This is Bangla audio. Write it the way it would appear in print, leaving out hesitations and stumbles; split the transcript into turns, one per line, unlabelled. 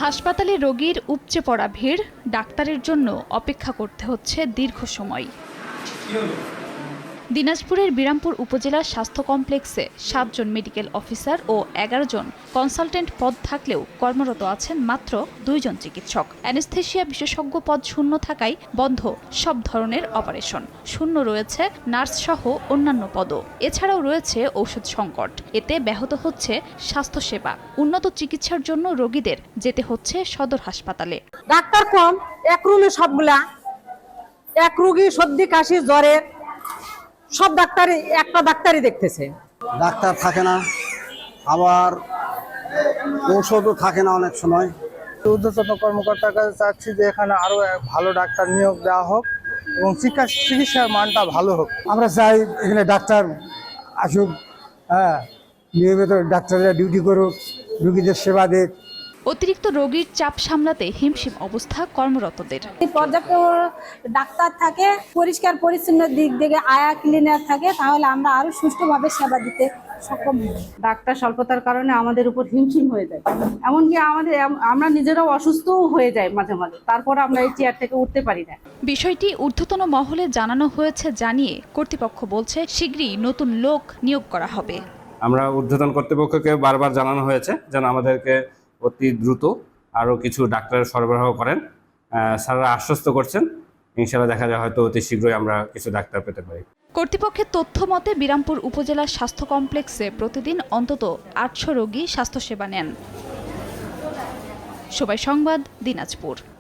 হাসপাতালে রোগীর উপচে পড়া ভিড়, ডাক্তারের জন্য অপেক্ষা করতে হচ্ছে দীর্ঘ সময়। দিনাজপুরের বিরামপুর উপজেলা স্বাস্থ্য কমপ্লেক্সে ৭ জন মেডিকেল অফিসার ও ১১ জন কনসালটেন্ট পদ থাকলেও কর্মরত আছেন মাত্র ২ জন চিকিৎসক। অ্যানেস্থেশিয়া বিশেষজ্ঞ পদ শূন্য থাকায় বন্ধ সব ধরনের অপারেশন। শূন্য রয়েছে নার্সসহ অন্যান্য পদও। এছাড়াও রয়েছে ঔষধ সংকট। এতে ব্যাহত হচ্ছে স্বাস্থ্যসেবা। উন্নত চিকিৎসার জন্য রোগীদের যেতে হচ্ছে সদর হাসপাতালে।
ডাক্তার কম, এক রুমে সবগুলা, এক রোগী সর্দি কাশি জ্বরের সব ডাক্তারই একটা ডাক্তারই দেখতেছে।
ডাক্তার থাকে না, আবার ঔষধও থাকে না অনেক সময়।
ঊর্ধ্বতন কর্মকর্তার কাছে চাচ্ছি যে এখানে আরো ভালো ডাক্তার নিয়োগ দেওয়া হোক এবং চিকিৎসার মানটা ভালো হোক।
আমরা চাই এখানে ডাক্তার আসুক, নিয়মিত ডাক্তাররা ডিউটি করুক, রোগীদের সেবা দেখ।
অতিরিক্ত রোগীর চাপ সামলাতে হিমশিম অবস্থা কর্মরতদের।
পর্যাপ্ত ডাক্তার থাকে, পরিষ্কার পরিচ্ছন্ন দিক থেকে আয়া ক্লিনার থাকে, তাহলে আমরা আরো সুষ্ঠুভাবে সেবা দিতে সক্ষম হব।
ডাক্তার স্বল্পতার কারণে আমাদের উপর হিমশিম হয়ে যায়, এমনকি আমরা নিজেরাও অসুস্থও হয়ে যাই মাঝে মাঝে, তারপর আমরা এই চেয়ার থেকে উঠতে পারি না।
বিষয়টি ঊর্ধ্বতন মহলে জানানো হয়েছে জানিয়ে কর্তৃপক্ষ বলছে শীঘ্রই নতুন লোক নিয়োগ করা হবে।
আমরা ঊর্ধ্বতন কর্তৃপক্ষকে বারবার জানানো হয়েছে যেন আমাদেরকে অতি দ্রুত আরও কিছু ডাক্তার সরবরাহ করেন। স্যাররা আশ্বস্ত করছেন, ইনশাআল্লাহ দেখা যায় হয়তো অতি শীঘ্রই আমরা কিছু ডাক্তার পেতে পারি।
কর্তৃপক্ষের তথ্য মতে বিরামপুর উপজেলা স্বাস্থ্য কমপ্লেক্সে প্রতিদিন অন্তত ৮০০ রোগী স্বাস্থ্যসেবা নেন। সবাই সংবাদ, দিনাজপুর।